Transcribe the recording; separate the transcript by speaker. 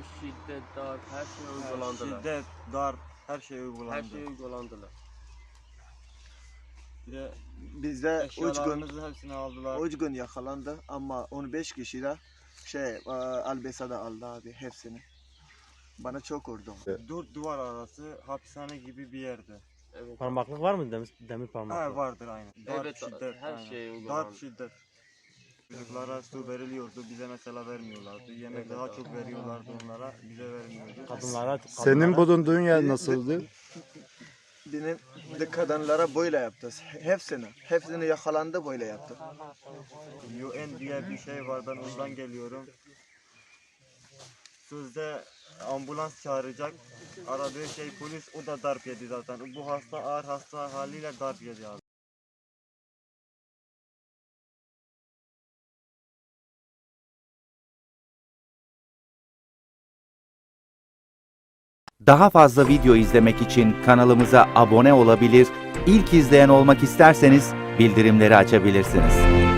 Speaker 1: şiddet, darp, her şey uygulandılar.
Speaker 2: Şiddet, darp, her şey uygulandı.
Speaker 1: Her şey uygulandılar.
Speaker 2: Bir de
Speaker 3: Bizde 3 gün
Speaker 2: eşyalarımızın hepsini aldılar.
Speaker 3: 3 gün yakalandı ama 15 kişi de Albesa'da aldı abi hepsini. Bana çok vurdu.
Speaker 2: 4 duvar arası hapishane gibi bir yerde.
Speaker 1: Evet.
Speaker 4: Parmaklık var mı? Demir parmaklık.
Speaker 2: Ha, vardır aynı. Darp,
Speaker 1: Evet,
Speaker 2: şiddet.
Speaker 1: her
Speaker 2: aynen.
Speaker 1: şey uygulandı.
Speaker 2: Darp, şiddet. Çocuklara su veriliyordu, bize mesela vermiyorlardı. Yemek
Speaker 1: Evet,
Speaker 2: daha
Speaker 1: abi.
Speaker 2: çok veriyorlardı onlara, bize vermiyordu.
Speaker 4: Kadınlara
Speaker 5: Senin bulunduğun yer nasıldı?
Speaker 3: Benim de kadınlara böyle yaptı. Hepsini yakalandı böyle yaptı.
Speaker 2: UN diye bir şey var, ben ondan geliyorum. Sözde ambulans çağıracak, aradığı şey polis, o da darp yedi zaten. Bu hasta ağır hasta haliyle darp yedi abi.
Speaker 6: Daha fazla video izlemek için kanalımıza abone olabilir, ilk izleyen olmak isterseniz bildirimleri açabilirsiniz.